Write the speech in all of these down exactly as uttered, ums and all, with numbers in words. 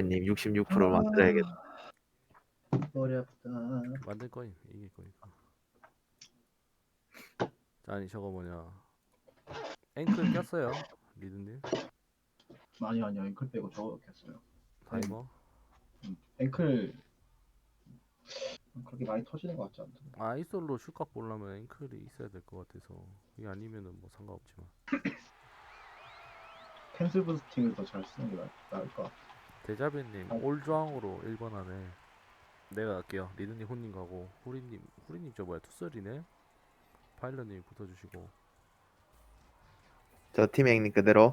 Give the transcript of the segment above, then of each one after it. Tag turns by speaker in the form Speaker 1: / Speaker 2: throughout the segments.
Speaker 1: 파일럿님 육십육 퍼센트 만들어야겠다.
Speaker 2: 머리 아프다.
Speaker 3: 만들 거임. 이길 거니까. 자, 아니 저거 뭐냐. 앵클 꼈어요. 리드님.
Speaker 2: 아니 아니요 앵클 빼고 저거 켰어요.
Speaker 3: 다이버.
Speaker 2: 음, 앵클 그렇게 많이 터지는 것 같지 않던데.
Speaker 3: 아이솔로 슛각 보려면 앵클이 있어야 될 것 같아서 이게 아니면은 뭐 상관없지만.
Speaker 2: 캔슬 부스팅을 더 잘 쓰는 게 나을, 나을 것 같아.
Speaker 3: 대자비님
Speaker 2: 아.
Speaker 3: 올조항으로 일 번 하네. 내가 갈게요. 리드님 혼님 가고 후리님 후리님 저 뭐야 투설이네. 파일럿님 붙어주시고.
Speaker 1: 저 팀행님 그대로.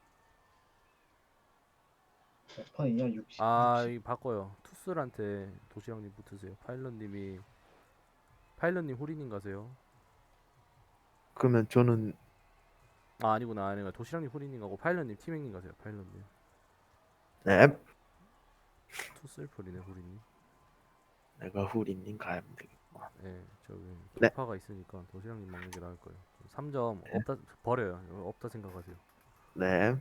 Speaker 2: 몇 판이냐? 육십.
Speaker 3: 아,
Speaker 2: 육십.
Speaker 3: 이 바꿔요. 투슬한테 도시락님 붙으세요. 파일럿님이 파일럿님 후리님 가세요.
Speaker 1: 그러면 저는
Speaker 3: 아 아니구나 아니구나 도시락님 후리님 가고 파일럿님 팀행님 가세요. 파일럿님
Speaker 1: 네.
Speaker 3: 투슬 풀이네 후리님.
Speaker 1: 내가 후리님 가야 되겠구만.
Speaker 3: 예, 저기
Speaker 1: 네.
Speaker 3: 돌파가 있으니까 도시락님 먹는 게 나을 거예요. 삼 점 없다 버려요. 이거 없다 생각하세요.
Speaker 1: 네.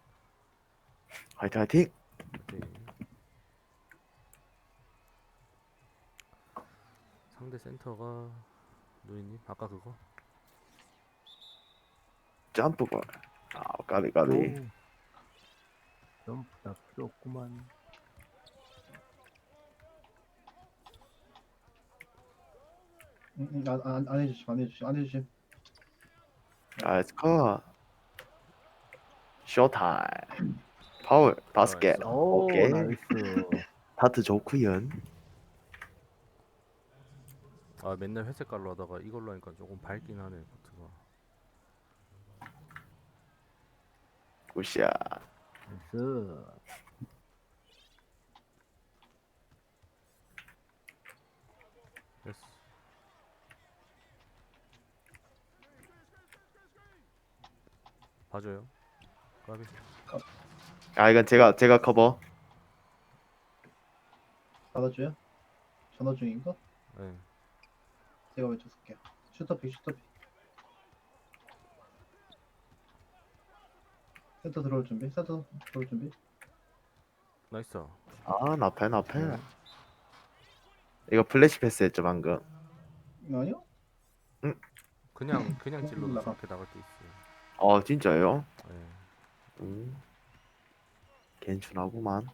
Speaker 1: 화이팅 화이팅.
Speaker 3: 네. 상대 센터가 노인님 아까 그거.
Speaker 1: 점프볼. 아 까비 까비.
Speaker 4: 오, 점프다 필요 없구만.
Speaker 2: 응, 응, 안, 안, 안 해주심 안 해주심 안 해주심.
Speaker 1: 나이스 컷. 쇼타임. 파울 다섯 개.
Speaker 3: 나이스.
Speaker 4: 오,
Speaker 1: 오케이.
Speaker 4: 나이스.
Speaker 1: 다트 좋구연.
Speaker 3: 아 맨날 회색깔로 하다가 이걸로 하니까 조금 밝긴 하네 코트가.
Speaker 1: 굿샷.
Speaker 4: 나이스.
Speaker 3: 됐어. 봐줘요. 까비.
Speaker 1: 아 이건 제가 제가 커버.
Speaker 2: 받아줘요? 전화 중인가?
Speaker 3: 네.
Speaker 2: 제가 왼쪽 쓸게요. 슈터픽 슈터픽. 센터 들어올 준비. 센터 들어올 준비.
Speaker 3: 나이스.
Speaker 1: 아 나패 나패.
Speaker 3: 네.
Speaker 1: 이거 플래시 패스했죠 방금.
Speaker 2: 아니요?
Speaker 3: 그냥 그냥 찔러도
Speaker 2: 나가.
Speaker 3: 저렇게 나갈 때 있어요.
Speaker 1: 어 진짜요?
Speaker 3: 네.
Speaker 1: 음. 괜찮하구만.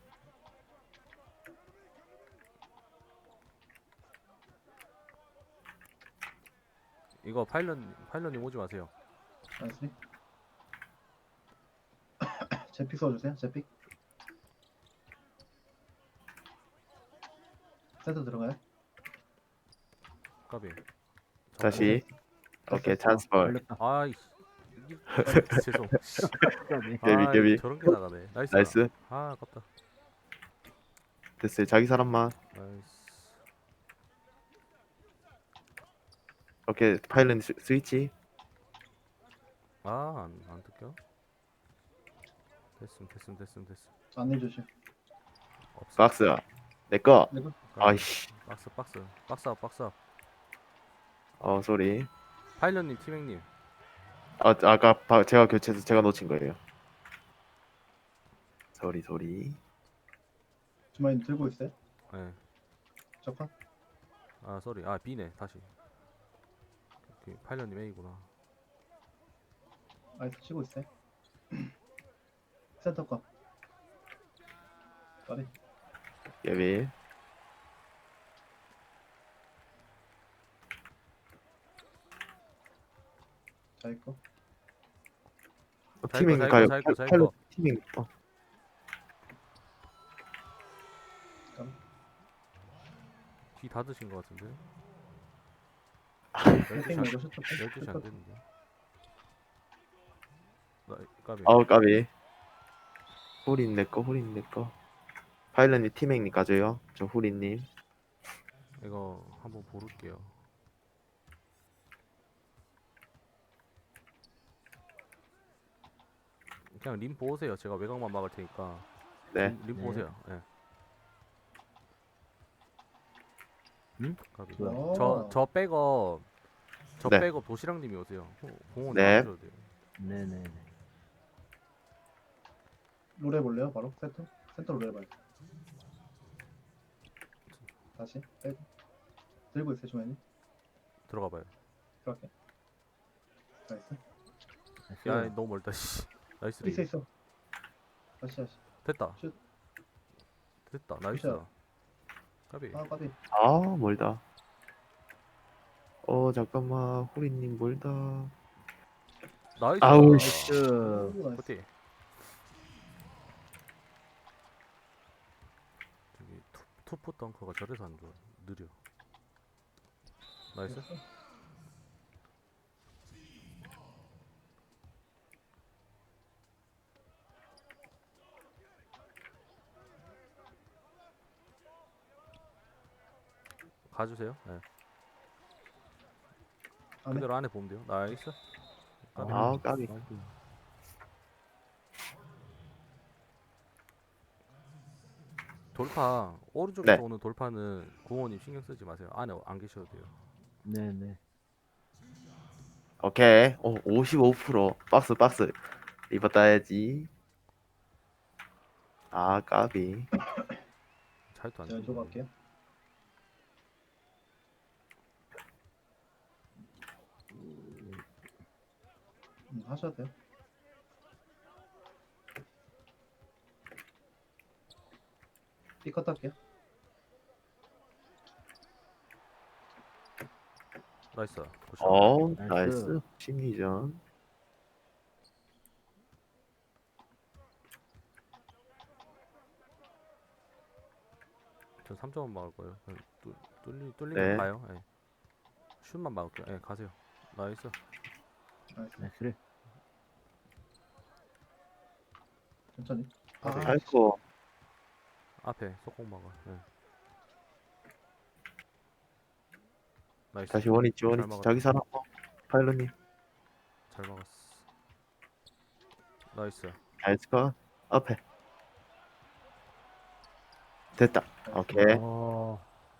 Speaker 3: 이거 파일럿 파일럿님 오지 마세요.
Speaker 2: 나이스. 제픽 써주세요. 제픽. 센터 들어가요?
Speaker 3: 까비.
Speaker 1: 다시. 오케이 찬스볼.
Speaker 4: 걸렸다.
Speaker 3: 아이 이게 죄송.
Speaker 4: 까비.
Speaker 1: 깨비,
Speaker 3: 아,
Speaker 1: 깨비.
Speaker 3: 저런 게 나가네. 나이스.
Speaker 1: 나이스.
Speaker 3: 아 아깝다.
Speaker 1: 됐어요. 자기 사람만.
Speaker 3: 나이스.
Speaker 1: 오케이 파일럿 스- 스위치.
Speaker 3: 아안 안 뜯겨? 됐음 됐음 됐음 됐음.
Speaker 2: 안 해주심.
Speaker 3: 없어.
Speaker 1: 박스. 내꺼.
Speaker 2: 내가
Speaker 3: 까비.
Speaker 1: 아이씨.
Speaker 3: 박스 박스 박스업 박스업.
Speaker 1: 어 소리.
Speaker 3: 파일럿님 팀행님.
Speaker 1: 아 아까 바- 제가 교체해서 제가 놓친 거예요. 소리 소리.
Speaker 2: 주머니 들고 있어요?
Speaker 3: 네.
Speaker 2: 저판?
Speaker 3: 아 쏘리. 아 B네 다시. 오케이, 파일럿님 A구나.
Speaker 2: 아이스 치고 있어요? 센터 거. 까비.
Speaker 1: 예비.
Speaker 2: 자기 거.
Speaker 1: 어,
Speaker 3: 자,
Speaker 1: 팀행
Speaker 3: 이거, 자,
Speaker 1: 가요.
Speaker 3: 이거, 자, 이거, 자,
Speaker 1: 파일럿
Speaker 3: 이거.
Speaker 1: 팀행. 어.
Speaker 3: B 다 드신 것 같은데.
Speaker 2: 슈팅 말고 슈터픽.
Speaker 3: 열두 시 안
Speaker 2: 슈터픽.
Speaker 3: 됐는데. 나 까비.
Speaker 1: 아우 까비. 후린 내꺼 후린 내꺼. 파일럿님 팀행님 가져요. 저 후린님.
Speaker 3: 이거 한번 고를게요. 그냥 림 보세요. 제가 외곽만 막을 테니까.
Speaker 1: 네.
Speaker 3: 림, 림
Speaker 4: 네.
Speaker 3: 보세요. 예.
Speaker 4: 응?
Speaker 3: 까비.
Speaker 2: 뭐야?
Speaker 3: 저저 백업 저
Speaker 1: 네.
Speaker 3: 백업 도시락님이 오세요. 호- 공원
Speaker 1: 네.
Speaker 3: 나와줘야 돼요.
Speaker 4: 네네네.
Speaker 2: 롤 해볼래요? 바로 센터? 센터 롤 해봐요. 다시 빼고 들고 있어요 주머니.
Speaker 3: 들어가봐요.
Speaker 2: 그렇게. 나이스.
Speaker 4: 나이스.
Speaker 3: 야 너무 멀다. 씨. 나이스
Speaker 2: 있어
Speaker 3: 리드.
Speaker 2: 있어. 다시 다시.
Speaker 3: 됐다.
Speaker 2: 슛.
Speaker 3: 됐다. 나이스.
Speaker 2: 굿샷.
Speaker 3: 까비.
Speaker 2: 아 까비.
Speaker 1: 아 멀다. 어 잠깐만 후리님 멀다.
Speaker 3: 나이스.
Speaker 1: 아우, 씨.
Speaker 4: 나이스.
Speaker 2: 오, 나이스.
Speaker 3: 어때? 저기 투, 투포 덩커가 저래서 안 좋아. 느려. 나이스. 가주세요. 네.
Speaker 2: 안에.
Speaker 3: 그대로 안에 보면 돼요. 나이스. 까비.
Speaker 1: 아 까비.
Speaker 4: 까비.
Speaker 3: 돌파 오른쪽에서
Speaker 1: 네.
Speaker 3: 오는 돌파는 구호님 신경 쓰지 마세요. 안에 안 계셔도 돼요.
Speaker 4: 네네.
Speaker 1: 오케이. 어 오십오 퍼센트 박스 박스 리버 따야지. 아 까비.
Speaker 3: 잘도 안
Speaker 2: 제가
Speaker 3: 돼.
Speaker 2: 왼쪽 갈게요. 음, 하셔도 돼요. B컷 할게요.
Speaker 3: 나이스. 굿샷.
Speaker 1: 어
Speaker 4: 나이스.
Speaker 1: 나이스. 심리전.
Speaker 3: 전 삼 점만 막을 거예요. 그냥 뚫, 뚫리, 뚫리면
Speaker 1: 네.
Speaker 3: 가요. 예. 슛만 막을게요. 예, 가세요. 나이스.
Speaker 2: 나이스.
Speaker 4: 나이스.
Speaker 2: 천천히.
Speaker 3: 아, 네.
Speaker 1: 아이고.
Speaker 3: 앞에 속공 막아. 예. 나이스.
Speaker 1: 다시 원위치
Speaker 3: 잘
Speaker 1: 원위치
Speaker 3: 막았다.
Speaker 1: 자기 사람. 어, 파일럿님.
Speaker 3: 잘 막았어. 나이스.
Speaker 1: 나이스 컷. 앞에. 됐다.
Speaker 2: 나이스.
Speaker 1: 오케이.
Speaker 4: 어.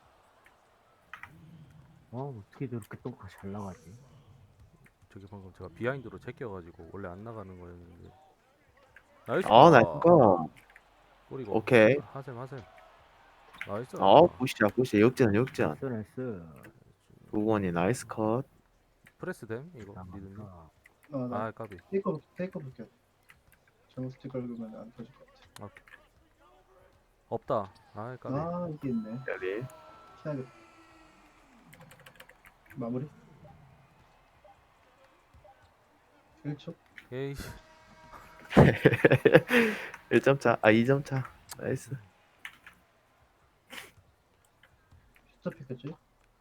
Speaker 4: 어, 어떻게 저렇게 똥가 잘 나가지?
Speaker 3: 저기 방금 제가 비하인드로 제껴가지고 원래 안 나가는 거였는데. 나이스.
Speaker 1: 아 나이스 컷.
Speaker 3: 뿌리고.
Speaker 1: 오케이.
Speaker 3: 하셈 하셈. 나이스.
Speaker 1: 어 굿이야 굿이야 역전 역전.
Speaker 4: 나이스, 나이스.
Speaker 1: 구원이 나이스 컷.
Speaker 3: 프레스 됨 이거
Speaker 4: 아,
Speaker 3: 리드님.
Speaker 2: 아, 나
Speaker 3: 아 까비.
Speaker 2: 테이크업 테이크업 볼게요. 잘못 스티커 긁으면 안 터질 것 같아.
Speaker 3: 없다. 아 까비.
Speaker 2: 아 이게 있네.
Speaker 1: 여기.
Speaker 2: 피하겠다. 마무리. 일 초.
Speaker 3: 에이.
Speaker 1: 일 점 차. 아 이 점 차. 나이스.
Speaker 2: 숫자 픽했지?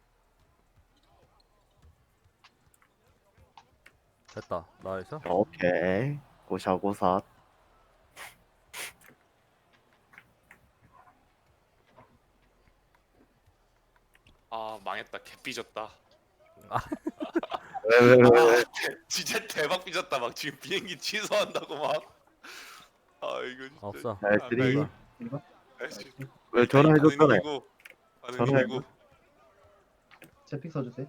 Speaker 3: 됐다. 나이스.
Speaker 1: 오케이. 고샤고사.
Speaker 5: 아 망했다 개 삐졌다.
Speaker 1: 왜 왜 왜 왜?
Speaker 5: 아, 진짜 대박 삐졌다. 막 지금 비행기 취소한다고 막. 아 이거 진짜.
Speaker 3: 없어.
Speaker 1: 나이스리.
Speaker 5: 아,
Speaker 2: 이거?
Speaker 5: 나이스.
Speaker 1: 왜 전화해줬잖아요.
Speaker 5: 가능이고,
Speaker 1: 전화해.
Speaker 5: 가능이고.
Speaker 2: 제픽 써주세요.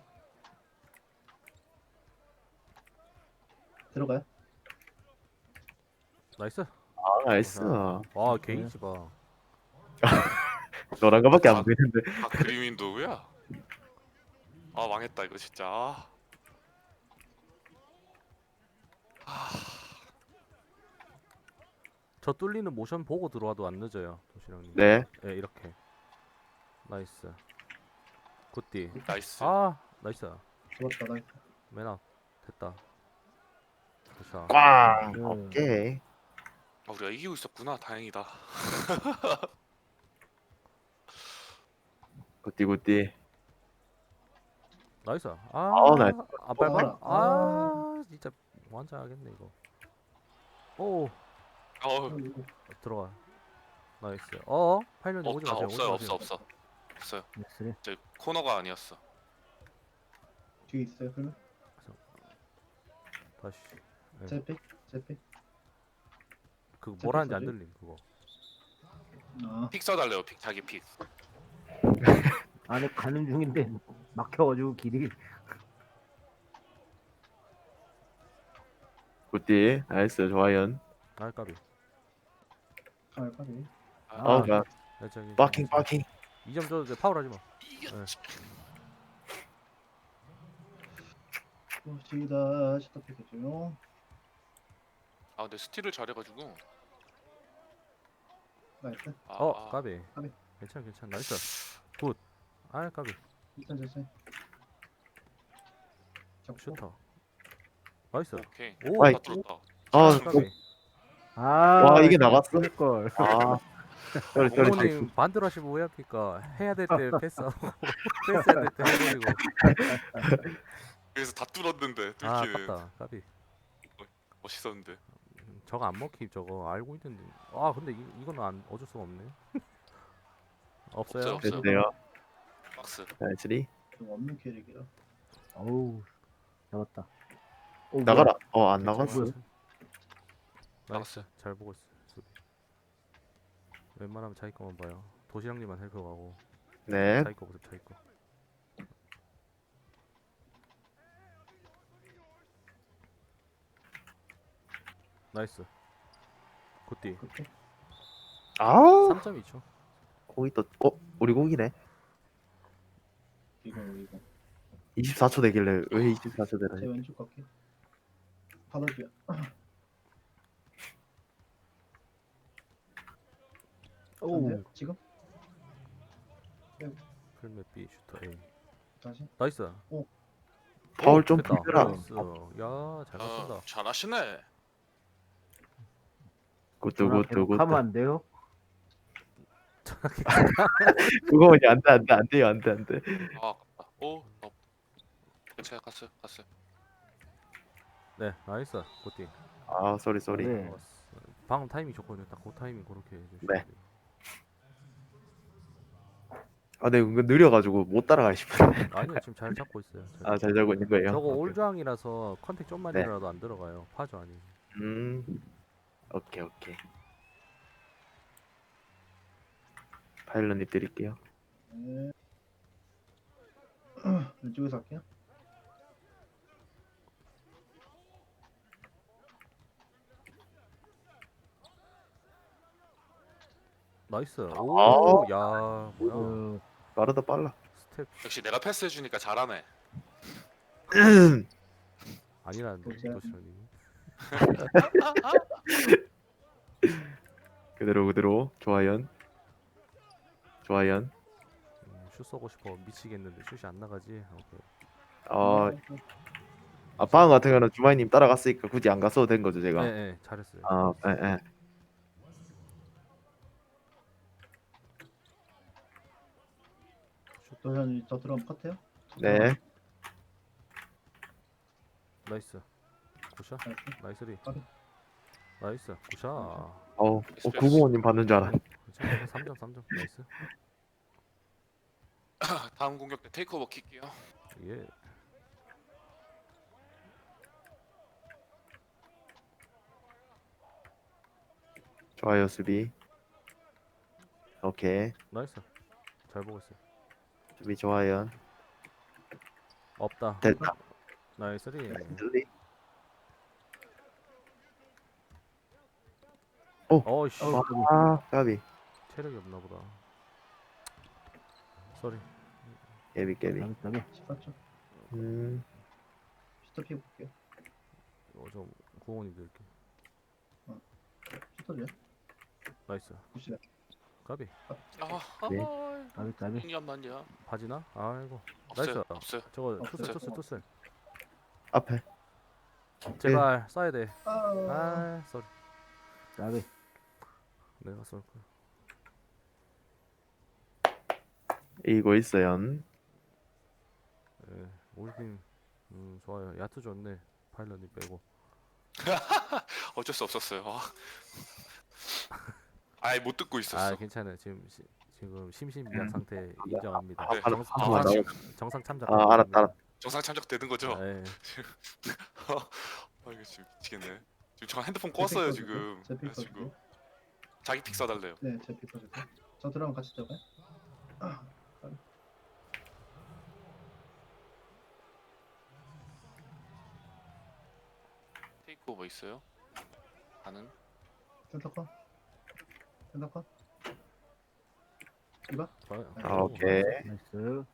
Speaker 2: 들어가요?
Speaker 3: 나이스.
Speaker 1: 아 나이스.
Speaker 3: 와 게이지 봐.
Speaker 1: 너란 거밖에 안 보이는데.
Speaker 5: 아 그림인 누구야? 아 망했다 이거 진짜. 아. 아,
Speaker 3: 저 뚫리는 모션 보고 들어와도 안 늦어요. 도시락님.
Speaker 1: 네.
Speaker 3: 네 이렇게. 나이스. 굿디.
Speaker 5: 나이스.
Speaker 3: 아 나이스.
Speaker 2: 좋았다 나이스.
Speaker 3: 맨앞. 됐다. 굿샷.
Speaker 1: 꽝.
Speaker 4: 네.
Speaker 1: 오케이.
Speaker 5: 아, 우리가 이기고 있었구나. 다행이다.
Speaker 1: 굿디 굿디.
Speaker 3: 나이스. 아,
Speaker 1: 아, 나이스.
Speaker 3: 아 밟아?
Speaker 2: 아.
Speaker 3: 아, 진짜 완전하겠네 이거. 오,
Speaker 5: 어,
Speaker 3: 들어가. 나이스. 어, 팔년이 오지
Speaker 5: 없다
Speaker 3: 마세요.
Speaker 5: 없어요
Speaker 3: 오지
Speaker 5: 없어
Speaker 3: 마세요.
Speaker 5: 없어 없어요.
Speaker 4: 나이스.
Speaker 5: 저 코너가 아니었어.
Speaker 2: 뒤에 있어요 그러면?
Speaker 3: 다시. 네.
Speaker 2: 제픽? 제픽?
Speaker 3: 그거 뭐라는지 안
Speaker 2: 소리?
Speaker 3: 들림 그거.
Speaker 2: 아
Speaker 5: 픽 써달래요. 픽 자기 픽.
Speaker 4: 안에 가는 중인데 막혀가지고 길이.
Speaker 1: 굿디. 나이스 좋아요.
Speaker 3: 아, 까비.
Speaker 2: 아, 까비.
Speaker 5: 아,
Speaker 1: 어, 가.
Speaker 3: 네, 저기
Speaker 1: 빠킹 빠킹.
Speaker 3: 이 점 줘도 돼. 파울하지 마.
Speaker 5: 이겼지.
Speaker 2: 시다 시다피겠죠.
Speaker 5: 아 근데 스틸을 잘해가지고.
Speaker 2: 나이스.
Speaker 5: 아,
Speaker 3: 어,
Speaker 5: 아,
Speaker 3: 까비.
Speaker 2: 까비.
Speaker 3: 괜찮아, 괜찮아. 나이스. 굿. 아, 까비.
Speaker 2: 일단 됐어요. 잡고.
Speaker 3: 슈터. 나이스.
Speaker 5: 오케이.
Speaker 3: 오,
Speaker 1: 아이.
Speaker 5: 다 뚫었다.
Speaker 1: 아,
Speaker 3: 까비.
Speaker 4: 아,
Speaker 1: 와, 이게 나갔어?
Speaker 4: 걸.
Speaker 1: 아, 쏘리 쏘리 쏘리.
Speaker 3: 부모님 반대로 하시면 오해합니까? 해야 될 때 패스하고 패스해야 될 때 해버리고.
Speaker 5: 그래서 다 뚫었는데
Speaker 3: 아,
Speaker 5: 뚫기는
Speaker 3: 아깝다. 까비.
Speaker 5: 멋있었는데.
Speaker 3: 음, 저거 안 먹히 저거 알고 있는데. 아, 근데 이, 이거는 안 어쩔 수가 없네. 없어요.
Speaker 5: 없어요.
Speaker 1: 됐네요.
Speaker 5: 박스.
Speaker 1: 나이스리.
Speaker 2: 좀 없는 캐릭이라.
Speaker 4: 어우, 잡았다. 오,
Speaker 1: 나가라. 어, 안
Speaker 3: 괜찮아.
Speaker 1: 나갔어.
Speaker 3: 나이스.
Speaker 5: 나갔어요.
Speaker 3: 잘 보고 있어. 수비. 웬만하면 자기 거만 봐요. 도시락님만 살펴가고
Speaker 1: 네.
Speaker 3: 자기 거 보세요. 자기 거. 나이스. 굿디.
Speaker 2: 그렇게.
Speaker 1: 아,
Speaker 3: 삼 점 이 초.
Speaker 1: 고기 또, 어, 우리 고기네.
Speaker 2: 이거 이거.
Speaker 1: 이십사 초 되길래 왜 이십사 초
Speaker 2: 제
Speaker 1: 되나?
Speaker 2: 왼쪽 갈게. 받아줘야.
Speaker 4: 오,
Speaker 2: 안 돼요? 지금?
Speaker 3: 풀맵 B 슈터 A.
Speaker 2: 다시.
Speaker 3: 나이스.
Speaker 1: 파울
Speaker 3: 오,
Speaker 1: 좀
Speaker 3: 됐다.
Speaker 1: 풀더라.
Speaker 3: 나이스. 야, 잘 맞춘다.
Speaker 5: 아, 잘하시네.
Speaker 1: 굿드
Speaker 4: 전화
Speaker 1: 굿드
Speaker 4: 계속
Speaker 1: 굿드.
Speaker 4: 하면 안 돼요?
Speaker 1: 그거 이제 안돼 안돼 안 돼요 안돼 안돼.
Speaker 5: 아 아깝다. 오. 어. 괜찮아. 갔어요. 갔어요.
Speaker 3: 네, 나이스. 굿디.
Speaker 1: 아, 쏘리 쏘리.
Speaker 4: 네.
Speaker 3: 방금 타이밍 좋거든요. 딱 그 타이밍 그렇게 해주시면
Speaker 1: 네.
Speaker 3: 돼요.
Speaker 1: 아, 네, 은근 느려가지고 못 따라가 싶은데.
Speaker 3: 아니요, 지금 잘 잡고 있어요. 잘
Speaker 1: 아,
Speaker 3: 잡고
Speaker 1: 잘 자고 있는 거예요.
Speaker 3: 저거
Speaker 1: 오케이.
Speaker 3: 올조항이라서 컨택 좀만
Speaker 1: 네.
Speaker 3: 이라도 안 들어가요. 파죠 아니.
Speaker 1: 음, 오케이 오케이. 파일럿님 드릴게요.
Speaker 2: 네. 왼쪽에서 할게요.
Speaker 3: 나이스.
Speaker 1: 아.
Speaker 3: 오, 야, 뭐야?
Speaker 4: 어,
Speaker 1: 빠르다 빨라.
Speaker 3: 스텝
Speaker 5: 역시 내가 패스해주니까 잘하네.
Speaker 3: 아니라는데
Speaker 2: 보자.
Speaker 3: 도시락님.
Speaker 1: 그대로 그대로. 조아연. 조아연.
Speaker 3: 음, 슛 쏘고 싶어 미치겠는데 슛이 안 나가지. 오케이.
Speaker 1: 어, 아, 방금 같은 경우는 주마이님 따라갔으니까 굳이 안 갔어도 된 거죠 제가.
Speaker 3: 네, 네, 잘했어요.
Speaker 1: 아, 예, 예.
Speaker 2: 도현이 저 들어가면 컷해요?
Speaker 1: 네.
Speaker 3: 나이스. 굿샷.
Speaker 2: 나이스.
Speaker 3: 나이스리.
Speaker 2: 까비.
Speaker 3: 나이스. 굿샷.
Speaker 1: 어, 어 구공원님 받는 줄 알았네.
Speaker 3: 괜찮아. 삼 점, 삼 점. 나이스.
Speaker 5: 다음 공격 때 테이크오버 킬게요.
Speaker 3: 예.
Speaker 1: 좋아요 수비. 오케이.
Speaker 3: 나이스. 잘 보고 있어요.
Speaker 1: 수비 조아연.
Speaker 3: 없다.
Speaker 1: 됐다.
Speaker 3: 나이스리.
Speaker 1: 들리.
Speaker 3: 어이씨.
Speaker 4: 어,
Speaker 1: 아, 까비.
Speaker 3: 체력이 없나 보다. 쏘리.
Speaker 1: 깨비 깨비.
Speaker 4: 다음에 다음에
Speaker 2: 십사 초.
Speaker 1: 음,
Speaker 2: 슈터 피해 볼게요.
Speaker 3: 어, 저 구원이 드릴게.
Speaker 2: 슈터 줘요?
Speaker 3: 나이스.
Speaker 2: 굿이다.
Speaker 3: 까비.
Speaker 5: 아,
Speaker 1: 네.
Speaker 5: 아,
Speaker 4: 다음에 다음에
Speaker 5: 잠깐만요.
Speaker 3: 바지나? 아이고.
Speaker 5: 없어요.
Speaker 3: 나이스.
Speaker 5: 없어요.
Speaker 3: 저거
Speaker 2: 없어요.
Speaker 3: 투슬 투슬 투슬.
Speaker 1: 앞에.
Speaker 3: 제발 쏴야 돼.
Speaker 2: 아,
Speaker 3: 아, 쏘리.
Speaker 4: 다음에
Speaker 3: 내가 쏠 거야.
Speaker 1: 이거 있어요.
Speaker 3: 예. 올팀 음, 좋아요. 야투 좋네. 파일럿님 빼고.
Speaker 5: 어쩔 수 없었어요. 아. 아예 못 듣고 있었어.
Speaker 3: 아, 괜찮아요. 지금 시, 지금 심신미약 상태 인정합니다.
Speaker 1: 아,
Speaker 5: 네.
Speaker 3: 정,
Speaker 1: 아,
Speaker 3: 정상,
Speaker 1: 나-
Speaker 3: 참- 정상 참작.
Speaker 1: 아, 알았다, 알았다.
Speaker 5: 정상 참작되는 거죠?
Speaker 3: 아, 예.
Speaker 5: 아 이거 지금 미치겠네. 지금 저 핸드폰 껐어요 지금.
Speaker 2: 제 픽
Speaker 5: 지금
Speaker 2: 써주세요.
Speaker 5: 자기 픽 써달래요.
Speaker 2: 네, 제 픽 써주세요. 저 들어가면 같이 들어가요? 아,
Speaker 5: 테이크오버 있어요? 가는?
Speaker 2: 센터 컷. 센터 컷. 이봐.
Speaker 1: 아, 오케이.
Speaker 4: 나이스.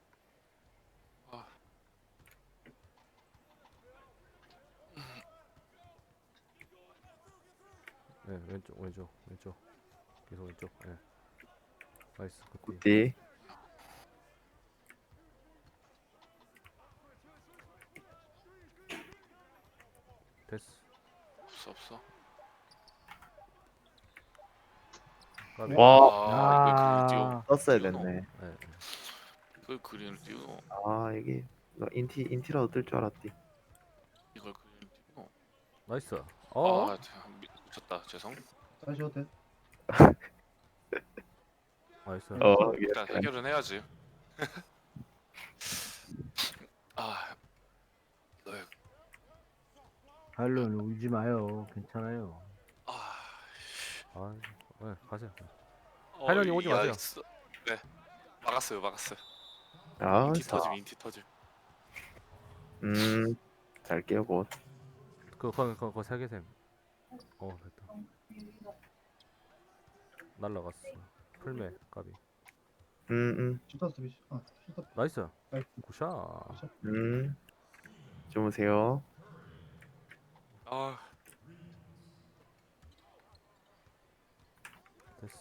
Speaker 3: 네, 왼쪽 왼쪽 왼쪽 계속 왼쪽. 네. 나이스 굿디.
Speaker 1: 굿디.
Speaker 3: 됐어.
Speaker 5: 없어 없어.
Speaker 3: 까비.
Speaker 1: 와.
Speaker 5: 아, 이걸 그린을 띄워.
Speaker 4: 아,
Speaker 1: 떴어야
Speaker 5: 띄우노.
Speaker 1: 됐네.
Speaker 3: 네. 네.
Speaker 5: 이걸 그린을 띄우노.
Speaker 1: 아, 이게 너 인티 인티라도 뜰 줄 알았디.
Speaker 5: 이걸 그린을 띄우노.
Speaker 3: 나이스. 어?
Speaker 5: 아, 참, 미- 미쳤다. 죄송.
Speaker 2: 다시 해도 돼.
Speaker 3: 나이스.
Speaker 1: 어, 이게
Speaker 5: 일단 해결은 해야지. 아, 너의
Speaker 4: 발론 울지 마요. 괜찮아요.
Speaker 5: 아,
Speaker 3: 아, 네, 가세요.
Speaker 5: 어,
Speaker 3: 하련이 오지
Speaker 5: 야,
Speaker 3: 마세요.
Speaker 5: 있어. 네, 막았어요, 막았어요.
Speaker 1: 아,
Speaker 5: 인티
Speaker 1: 사.
Speaker 5: 터짐, 인티 터짐.
Speaker 1: 음. 잘 깨고.
Speaker 3: 그거 그거 그거, 그거 세 개셈. 어, 됐다. 날라갔어. 풀메 까비.
Speaker 1: 음, 음.
Speaker 2: 슈터 스비시. 아, 슈터.
Speaker 3: 나이스.
Speaker 2: 나이스.
Speaker 3: 굿샷.
Speaker 1: 음. 주무세요.
Speaker 5: 아,
Speaker 3: 됐어.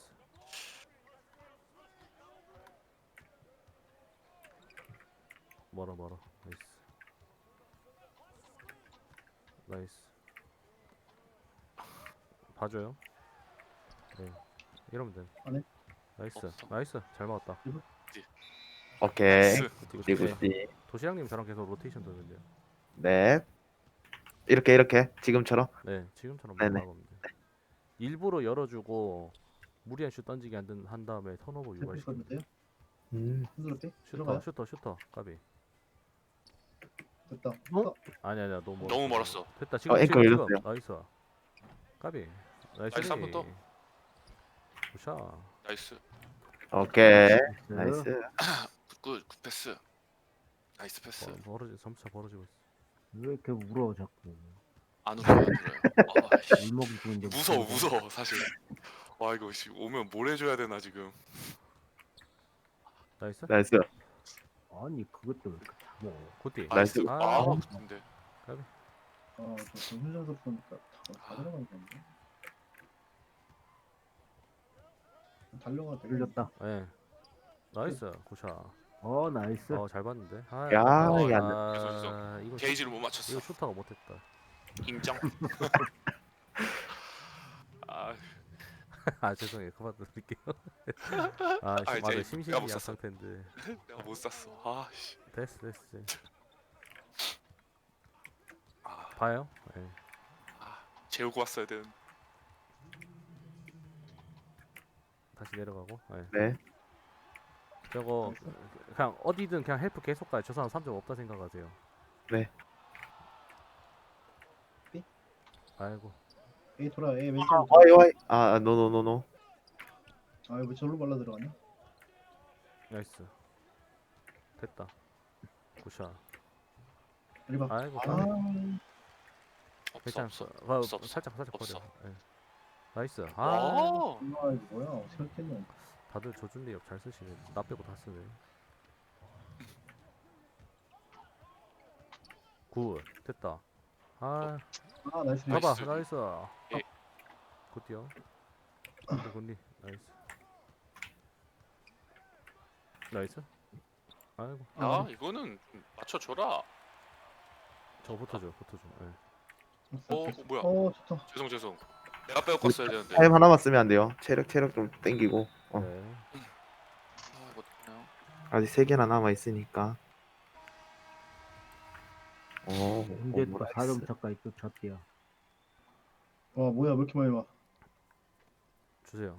Speaker 3: 멀어 멀어. 나이스. 나이스. 봐줘요. 네. 이러면 돼.
Speaker 2: 안 해?
Speaker 3: 나이스.
Speaker 5: 없어.
Speaker 3: 나이스. 잘 막았다.
Speaker 1: 오케이.
Speaker 5: 나이스.
Speaker 3: 굿디
Speaker 1: 굿디
Speaker 3: 굿디.
Speaker 1: 굿디.
Speaker 3: 도시락님 저랑 계속 로테이션 돌면돼요.
Speaker 1: 네. 이렇게 이렇게 지금처럼.
Speaker 3: 네, 지금처럼
Speaker 1: 네네.
Speaker 3: 막으면 돼. 일부러 열어주고 무리한 슛 던지게 한, 든- 한 다음에 턴오버
Speaker 2: 템플
Speaker 3: 유발시키면
Speaker 2: 써도 돼요?
Speaker 1: 음.
Speaker 2: 흔들었대?
Speaker 3: 슈터
Speaker 2: 들어가요?
Speaker 3: 슈터 슈터 까비.
Speaker 2: 됐다.
Speaker 4: 어?
Speaker 3: 아니 아니야 너무 멀었어.
Speaker 5: 너무 멀었어.
Speaker 3: 됐다 지금
Speaker 1: 어,
Speaker 3: 지금
Speaker 1: 앵커
Speaker 3: 지금
Speaker 1: 열렸어요.
Speaker 3: 나이스. 까비. 나이스.
Speaker 5: 나이스, 한번 더.
Speaker 3: 굿샷.
Speaker 5: 나이스.
Speaker 1: 오케이.
Speaker 4: 나이스.
Speaker 1: 나이스.
Speaker 5: 굿, 굿 패스. 나이스 패스.
Speaker 3: 어, 벌어지 점차 벌어지고 있어.
Speaker 4: 왜 이렇게 울어 자꾸.
Speaker 5: 안 울어요, 안 울어요. 아, 씨.
Speaker 4: 울먹이 부는데
Speaker 5: 무서워, 무서워, 사실. 와, 이거 씨, 오면 뭘 해줘야 되나 지금.
Speaker 3: 나이스.
Speaker 1: 나이스.
Speaker 4: 아니 그것도 왜 이렇게 잡어.
Speaker 3: 굿디.
Speaker 1: 나이스.
Speaker 5: 아,
Speaker 3: 아,
Speaker 5: 근데
Speaker 2: 아, 저 훈련소 보니까 다, 다 들어가는 건데. 달려가 되게.
Speaker 4: 흘렸다.
Speaker 3: 예. 나이스. 굿샷.
Speaker 4: 어 나이스.
Speaker 3: 어, 잘 봤는데. 아,
Speaker 1: 야,
Speaker 3: 아깝다.
Speaker 1: 이게 안
Speaker 3: 아, 이거
Speaker 5: 게이지를 못 맞췄어.
Speaker 3: 이거 슈터가 못했다.
Speaker 5: 인정. 아,
Speaker 3: 아 죄송해요. 그만 드릴게요. 아,
Speaker 5: 아,
Speaker 3: 심-
Speaker 5: 이제
Speaker 3: 맞아
Speaker 5: 내가
Speaker 3: 심심이
Speaker 5: 못
Speaker 3: 약할
Speaker 5: 샀어.
Speaker 3: 텐데.
Speaker 5: 내가 못 샀어. 아, 씨.
Speaker 3: 됐어 됐어. 됐어.
Speaker 5: 아,
Speaker 3: 봐요. 예.
Speaker 5: 재우고 왔어야 되는.
Speaker 3: 다시 내려가고. 예.
Speaker 1: 네.
Speaker 3: 저거 그냥 어디든 그냥 헬프 계속 가요. 저 사람 삼 점 없다 생각하세요.
Speaker 1: 네.
Speaker 2: 삐?
Speaker 3: 아이고.
Speaker 2: A 돌아, A
Speaker 1: 아,
Speaker 2: 왼쪽.
Speaker 1: 와이 와이. 아, 노노노노.
Speaker 2: 아, 왜 저로 발라 들어가냐?
Speaker 3: 나이스. 됐다. 굿샷.
Speaker 2: 이리 봐.
Speaker 3: 아이고.
Speaker 2: 아,
Speaker 3: 까비.
Speaker 5: 없어,
Speaker 3: 괜찮아.
Speaker 5: 없어.
Speaker 3: 아,
Speaker 5: 없어, 없어.
Speaker 3: 살짝 살짝
Speaker 5: 없어.
Speaker 3: 버려. 예. 나이스. 아.
Speaker 5: 아,
Speaker 2: 아, 이거 뭐야? 어떻게 했겠노?
Speaker 3: 다들 저준 리업 잘 쓰시네. 나 빼고 다 쓰네. 굿. 됐다. 아.
Speaker 2: 아, 나이스.
Speaker 3: 봐봐.
Speaker 5: 나이스.
Speaker 3: 나이스.
Speaker 5: 예.
Speaker 3: 굿디요. 굿디 굿디. 나이스. 나이스. 아이고.
Speaker 5: 야, 이거는 좀 맞춰줘라.
Speaker 3: 저거 붙어줘. 붙어줘. 예.
Speaker 5: 어, 뭐야?
Speaker 2: 어, 좋다.
Speaker 5: 죄송, 죄송. 내가 빼고 껐어야 되는데.
Speaker 1: 타임 하나만 쓰면 안 돼요. 체력 체력 좀 땡기고. 어.
Speaker 3: 네.
Speaker 5: 아, 이거 어떡하냐?
Speaker 1: 아직 세 개나 남아 있으니까. 오,
Speaker 4: 근데
Speaker 1: 오,
Speaker 4: 또
Speaker 1: 나이스.
Speaker 4: 사 점 차까지 또 쳤대요.
Speaker 2: 와, 뭐야? 왜 이렇게 많이 와?
Speaker 3: 주세요.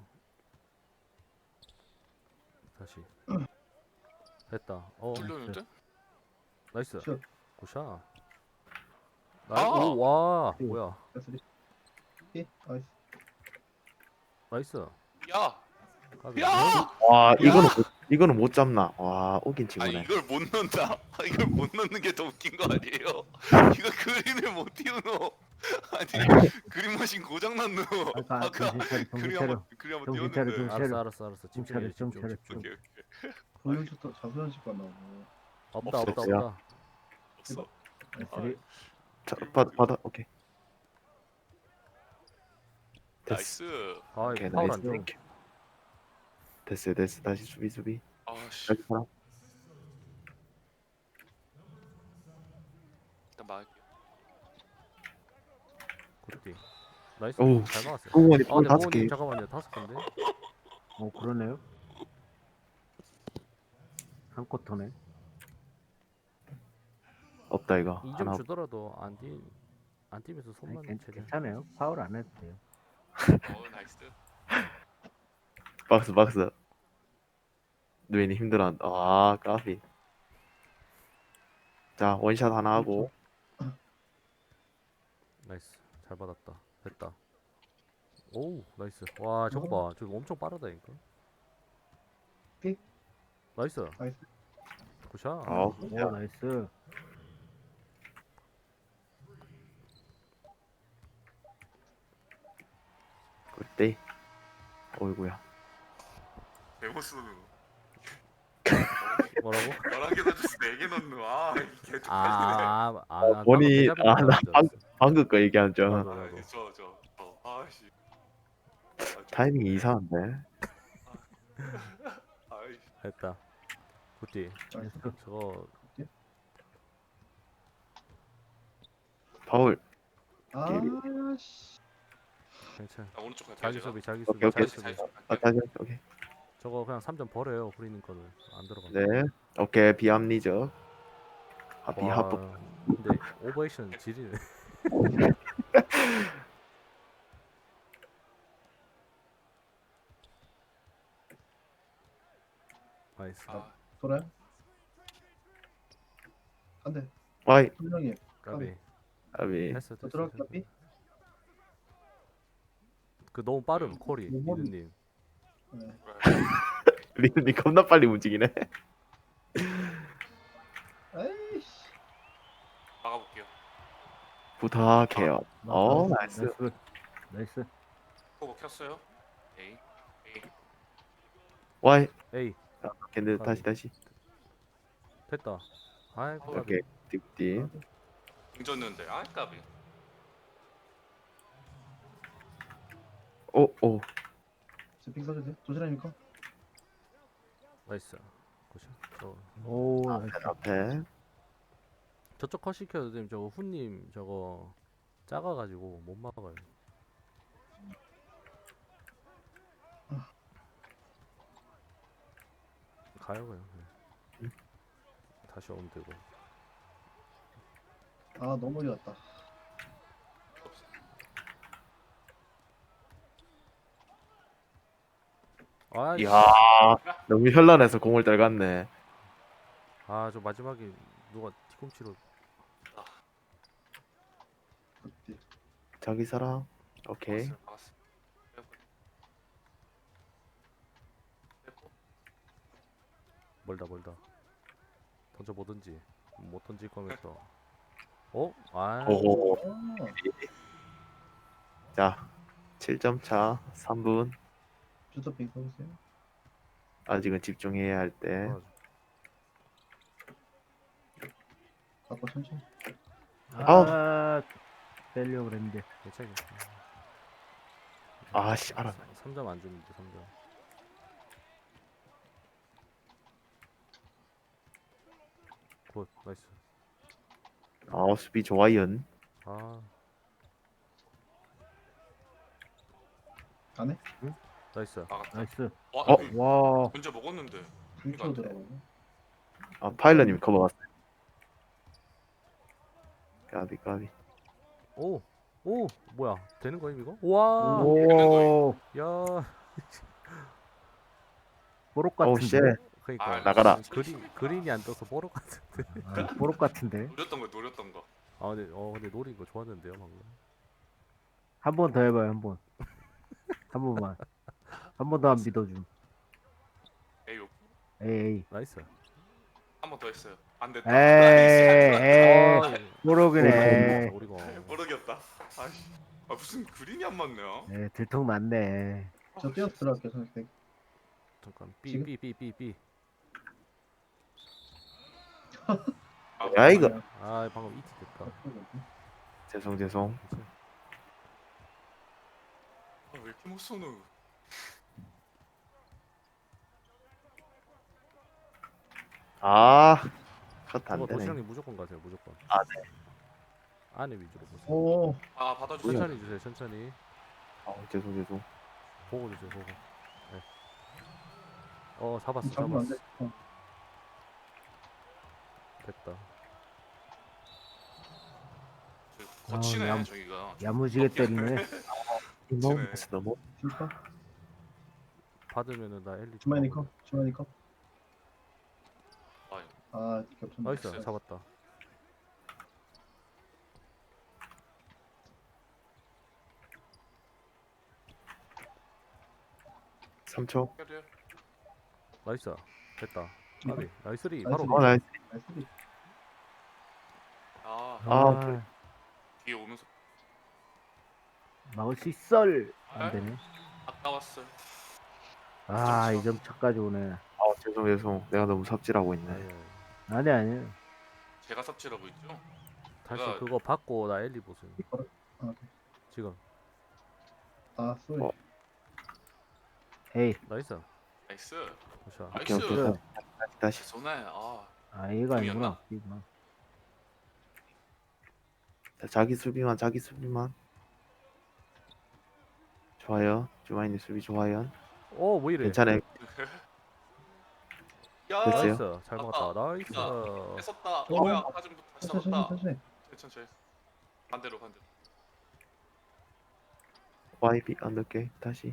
Speaker 3: 다시. 됐다. 어.
Speaker 5: 뚫렸는데?
Speaker 3: 나이스.
Speaker 2: 슛.
Speaker 3: 굿샷.
Speaker 5: 아!
Speaker 3: 나이 오, 와.
Speaker 4: 오.
Speaker 3: 뭐야.
Speaker 2: 나이스. 예, 나이스.
Speaker 3: 나이스.
Speaker 5: 야,
Speaker 3: 까비.
Speaker 5: 야!
Speaker 1: 와, 이거는 못, 이거는 못 잡나. 와, 오긴
Speaker 5: 아니
Speaker 1: 친구네.
Speaker 5: 이걸 못 넣는다. 이걸 못 넣는 게 더 웃긴 거 아니에요? 이거 그린을 못 띄우노. 아니 그림 머신 고장 났노.
Speaker 4: 아까
Speaker 5: 아까
Speaker 4: 정신 차려, 정신
Speaker 5: 그림
Speaker 4: 차려.
Speaker 5: 한번 그림 한번
Speaker 4: 정신 차려,
Speaker 5: 띄웠는데.
Speaker 4: 정신 차려.
Speaker 3: 알았어 알았어 알았어.
Speaker 4: 좀
Speaker 3: 집중해
Speaker 4: 차려, 좀
Speaker 3: 집중
Speaker 4: 차려.
Speaker 3: 집중.
Speaker 5: 오케이 오케이.
Speaker 2: 훈련소 자수연식 만나고.
Speaker 3: 없다
Speaker 5: 없어,
Speaker 3: 없다
Speaker 1: 없어요.
Speaker 3: 없다.
Speaker 5: 없어.
Speaker 4: 나이스.
Speaker 1: 자, 받아 받아. 오케이. 됐어.
Speaker 5: 나이스.
Speaker 3: 아
Speaker 1: 오케이
Speaker 3: 이거 파울
Speaker 1: 나이스.
Speaker 3: 안 줘.
Speaker 1: 땡큐. 됐어요 됐어. 다시 수비 수비.
Speaker 5: 아씨.
Speaker 1: 다시 사람.
Speaker 5: 일단 막을게요.
Speaker 3: 굿디. 나이스.
Speaker 1: 오우.
Speaker 3: 잘 막았어요.
Speaker 1: 공원이
Speaker 3: 아
Speaker 1: 볼
Speaker 3: 근데
Speaker 1: 다섯 개.
Speaker 3: 모모님 잠깐만요. 다섯 개인데.
Speaker 4: 어, 그러네요. 한 쿼터네.
Speaker 1: 없다 이거.
Speaker 3: 이 점
Speaker 1: 하나.
Speaker 3: 주더라도 안 뛰, 안 뛰면서
Speaker 4: 아니,
Speaker 3: 손만
Speaker 4: 괜,
Speaker 3: 최대한.
Speaker 4: 괜찮아요. 파울 안 해도 돼요.
Speaker 5: 어 나이스.
Speaker 1: 박스 박스. 누인이 힘들어. 아 까비. 자 원샷 하나 하고.
Speaker 3: 나이스. 잘 받았다. 됐다. 오우 나이스. 와 저거 봐. 저거 엄청 빠르다니까.
Speaker 2: 픽.
Speaker 3: 나이스.
Speaker 2: 나이스.
Speaker 3: 굿샷.
Speaker 1: 아
Speaker 4: 오, 나이스.
Speaker 1: 그때. 어이구야.
Speaker 5: 데모스
Speaker 3: 뭐라고?
Speaker 5: 열한 개 던져서 네 개 넣는. 아 이게 좀
Speaker 3: 아, 아, 아,
Speaker 1: 어,
Speaker 3: 나
Speaker 1: 본인이-
Speaker 3: 방금
Speaker 1: 아,
Speaker 3: 대자뷰인
Speaker 1: 나
Speaker 3: 줄
Speaker 1: 방-
Speaker 3: 알았어.
Speaker 1: 방금 거 얘기한 줄.
Speaker 3: 나도,
Speaker 5: 아,
Speaker 3: 나도.
Speaker 5: 저, 저, 저, 아씨. 아, 좀-
Speaker 1: 타이밍이 이상한데.
Speaker 5: 아이,
Speaker 3: 됐다. 굿디.
Speaker 2: 나이스.
Speaker 3: 저거
Speaker 1: 파울.
Speaker 2: 아씨.
Speaker 3: 괜찮아.
Speaker 5: 아, 오른쪽 갈게요.
Speaker 3: 자기
Speaker 5: 제가.
Speaker 3: 수비, 자기
Speaker 1: 오케이,
Speaker 3: 수비,
Speaker 1: 오케이.
Speaker 3: 자기 수비.
Speaker 5: 자기 수비
Speaker 1: 아
Speaker 5: 갈게요.
Speaker 1: 다시 오케이.
Speaker 3: 저거 그냥 삼 점 버려요. 후리님 거는 안 들어가.
Speaker 1: 네. 오케이 비합리적. 아
Speaker 3: 와,
Speaker 1: 비합법.
Speaker 3: 근데 오버액션 지리네. 나이스.
Speaker 5: 아,
Speaker 2: 돌아요? 안 돼.
Speaker 1: 와이.
Speaker 2: 분명히.
Speaker 3: 까비.
Speaker 1: 아비.
Speaker 3: 됐어,
Speaker 2: 저
Speaker 3: 됐어.
Speaker 2: 들어갈까,
Speaker 3: 됐어.
Speaker 2: 삐?
Speaker 3: 그 너무 빠름 콜이
Speaker 2: 뭐,
Speaker 3: 이드님.
Speaker 2: 네.
Speaker 1: 리듬이 겁나 빨리 움직이네.
Speaker 2: 에이씨.
Speaker 5: 막아볼게요.
Speaker 1: 부탁해요. 어
Speaker 4: 나이스.
Speaker 1: 나이스.
Speaker 4: 나이스. 나이스.
Speaker 5: 포고 켰어요. 에이, 에이.
Speaker 1: 와이.
Speaker 3: 에이
Speaker 1: 근데 다시 다시.
Speaker 3: 됐다. 아이고 까비.
Speaker 1: 오케이. 딥딥.
Speaker 5: 공졌는데, 아, 까비.
Speaker 1: 오 오.
Speaker 2: 제핑 써주세요. 도시락입니까?
Speaker 3: 나이스. 고시. 저
Speaker 4: 오, 나이스.
Speaker 1: 앞에.
Speaker 3: 저쪽 컷 시켜도 되면 저거 훈님 저거 작아가지고 못 막아요. 가요 그냥. 네. 다시 오면 되고.
Speaker 2: 아, 너무 어려웠다.
Speaker 3: 아,
Speaker 1: 이야. 너무 현란해서 공을 떨갔네.
Speaker 3: 아저 마지막에 누가 뒤꿈치로
Speaker 2: 그때.
Speaker 1: 자기 사랑. 오케이.
Speaker 5: 막았어요, 막았어. 빼고. 빼고.
Speaker 3: 멀다 멀다. 던져 보든지 못 던질 거면서. 어? 아.
Speaker 1: 오.
Speaker 2: 아,
Speaker 1: 자. 칠 점 차. 삼 분.
Speaker 2: 주터핑 써주세요.
Speaker 1: 아직은 집중해야 할 때.
Speaker 3: 아,
Speaker 2: 아까 천천히.
Speaker 4: 아, 빼려고 그랬는데.
Speaker 3: 괜찮아.
Speaker 1: 아씨 알아.
Speaker 3: 삼 점 안 주는데 삼 점. 굿 나이스.
Speaker 1: 아 수비 좋아연.
Speaker 3: 아
Speaker 2: 안 해?
Speaker 3: 나이스.
Speaker 5: 막았다.
Speaker 4: 나이스.
Speaker 5: 와,
Speaker 1: 어?
Speaker 5: 어?
Speaker 4: 와,
Speaker 5: 먼저 먹었는데.
Speaker 2: 불초 들어가고.
Speaker 1: 아 파일럿님 커버 왔어요. 까비 까비.
Speaker 3: 오! 오! 뭐야 되는 거임 이거? 와!
Speaker 4: 오,
Speaker 3: 야
Speaker 4: 보록
Speaker 1: 오우 쉣.
Speaker 4: 같은데.
Speaker 3: 그니까
Speaker 5: 아,
Speaker 1: 나가라.
Speaker 3: 그린, 그린이 안 떠서 보러 같은데.
Speaker 4: 아, 보록 같은데.
Speaker 5: 노렸던 거, 노렸던 거.
Speaker 3: 아 근데 어 근데 노린 거 좋았는데요 방금.
Speaker 4: 한 번 더 해봐요, 한 번. 한 번만. 한 번 더 안 믿어줌.
Speaker 5: 에이,
Speaker 4: 에이,
Speaker 3: 나이스.
Speaker 5: 한 번 더 했어요. 안 됐다.
Speaker 4: 에이, 에이,
Speaker 3: 아,
Speaker 4: 보록이네.
Speaker 3: 우리가
Speaker 5: 모르겠다. 아이씨. 아 무슨 그림이 안 맞네요.
Speaker 4: 네, 들통 났네.
Speaker 2: 저 뛰어서 들어갈게요 선생님.
Speaker 3: 잠깐 B
Speaker 2: 지금?
Speaker 3: B B B B.
Speaker 5: 아,
Speaker 1: 야, 이거.
Speaker 3: 아 방금 이티 됐다.
Speaker 1: 죄송 죄송.
Speaker 3: 괜찮아.
Speaker 5: 아, 왜 이렇게 못 쏘노?
Speaker 1: 아, 컷
Speaker 3: 저거
Speaker 1: 안 되네.
Speaker 3: 도시락님 무조건 가세요 무조건.
Speaker 1: 아, 네.
Speaker 3: 안에 위주로 보세요.
Speaker 2: 오.
Speaker 5: 아 받아주세요.
Speaker 3: 천천히 주세요 천천히.
Speaker 1: 아, 죄송 죄송.
Speaker 3: 보고 주세요 보고. 네. 어 잡았어
Speaker 2: 잡으면 안
Speaker 3: 잡았어.
Speaker 2: 돼. 어.
Speaker 3: 됐다.
Speaker 5: 저 거치네
Speaker 4: 아, 야.
Speaker 5: 저기가.
Speaker 4: 야무지게 때리네.
Speaker 1: 너무
Speaker 5: 그치네.
Speaker 1: 됐어 너무.
Speaker 2: 줄까?
Speaker 3: 받으면은 나 엘리.
Speaker 2: 주만이 컵. 주만이 컵.
Speaker 5: 아,
Speaker 2: 아 겹쳤네.
Speaker 3: 나이스 잡았다.
Speaker 1: 삼 초.
Speaker 5: 해야
Speaker 3: 나이스 됐다. 까비 나이스리
Speaker 2: 나이스리.
Speaker 3: 바로.
Speaker 1: 어, 나이스.
Speaker 2: 나이스.
Speaker 5: 아
Speaker 1: 아,
Speaker 4: 아,
Speaker 5: 뒤에 오면서
Speaker 4: 막을 수 있어. 안 되네.
Speaker 5: 아까웠어.
Speaker 4: 아, 이 점 차까지 오네.
Speaker 1: 아, 죄송 죄송. 내가 너무 삽질하고 있네.
Speaker 3: 아니, 아니.
Speaker 4: 아니, 아니.
Speaker 5: 제가 삽질하고 있죠.
Speaker 3: 다시
Speaker 5: 내가-
Speaker 3: 그거 받고 나 엘리 보세요.
Speaker 2: 아,
Speaker 3: 지금
Speaker 2: 아 쏘리.
Speaker 1: 어.
Speaker 4: 에이,
Speaker 3: 나이스.
Speaker 5: 나이스.
Speaker 3: 굿샷.
Speaker 5: 나이스.
Speaker 1: 오케이 오케이. 다시 다시.
Speaker 5: 손에 아
Speaker 4: 아, 얘가 아니구나.
Speaker 5: 중이었나?
Speaker 4: 얘구나.
Speaker 1: 자, 자기 수비만 자기 수비만. 좋아요. 주마이님 수비 좋아요.
Speaker 3: 오, 뭐 이래?
Speaker 1: 괜찮아요.
Speaker 5: 야.
Speaker 1: 됐어요?
Speaker 3: 나이스. 잘 막았다. 나이스.
Speaker 5: 뺐었다. 어,
Speaker 2: 어.
Speaker 5: 뭐야? 다시 다시
Speaker 2: 천천히
Speaker 5: 잡았다.
Speaker 2: 천천히.
Speaker 5: 천천히. 반대로 반대로.
Speaker 1: 와이비 언더게 다시.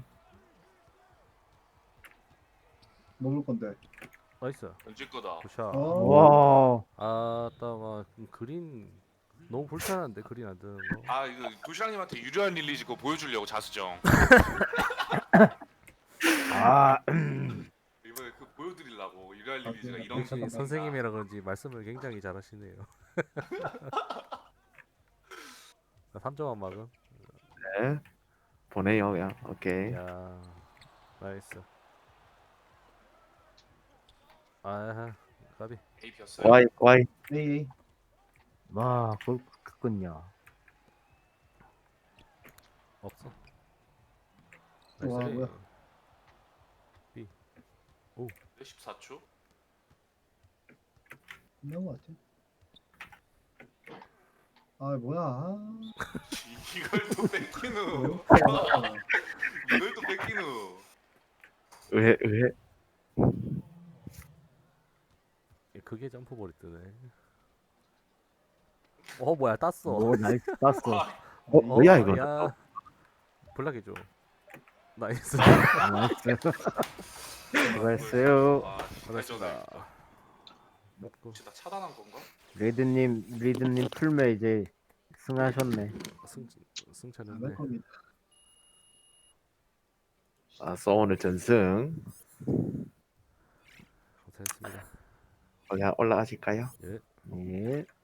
Speaker 2: 먹을 건데.
Speaker 3: 나이스.
Speaker 5: 던질 거다.
Speaker 3: 굿샷.
Speaker 2: 어.
Speaker 4: 와,
Speaker 3: 아, 따마 그린 너무 불편한데 그린 안 뜨는 거.
Speaker 5: 아 이거 도시락님한테 유리한 릴리지 그거 보여주려고 자수정.
Speaker 4: 아,
Speaker 5: 이번에 그 보여드리려고 유리한 릴리지가
Speaker 2: 아,
Speaker 5: 이런
Speaker 3: 역시
Speaker 2: 감사합니다.
Speaker 3: 선생님이라 그런지 말씀을 굉장히 잘하시네요. 삼 점만 막음.
Speaker 1: 네. 보내요 그냥. 오케이.
Speaker 3: 야, 나이스. 아, 까비.
Speaker 5: 에이피였어요.
Speaker 1: 와이 와이.
Speaker 2: 에이 에이.
Speaker 4: 와, 그걸 그렇게 끊냐.
Speaker 3: 없어.
Speaker 2: 와,
Speaker 3: 나이스.
Speaker 2: 뭐야.
Speaker 5: 십사 초.
Speaker 2: 끝난 거 같아. 아 뭐야. 아.
Speaker 5: 이걸 또 뺏기누.
Speaker 2: 아,
Speaker 5: 이걸 또 뺏기누.
Speaker 1: 의해 의해.
Speaker 3: 그게 점프볼이 뜨네. 어, 뭐야, 땄어.
Speaker 4: 오, 나이스, 땄어.
Speaker 5: 아,
Speaker 1: 어 뭐야 이거.
Speaker 3: 야, 블락해줘. 나이스.
Speaker 4: 아, 나이스. 수고했어요.
Speaker 5: 아,
Speaker 3: 잘했습니다. 먹고
Speaker 5: 진짜 차단한 건가?
Speaker 4: 리드님, 리드님 풀매 이제 승하셨네.
Speaker 3: 승
Speaker 2: 안
Speaker 3: 승차는데.
Speaker 2: 할 겁니다.
Speaker 1: 아써 오늘 전승.
Speaker 3: 고생했습니다.
Speaker 1: 그냥 올라가실까요?
Speaker 3: 예.
Speaker 4: 예.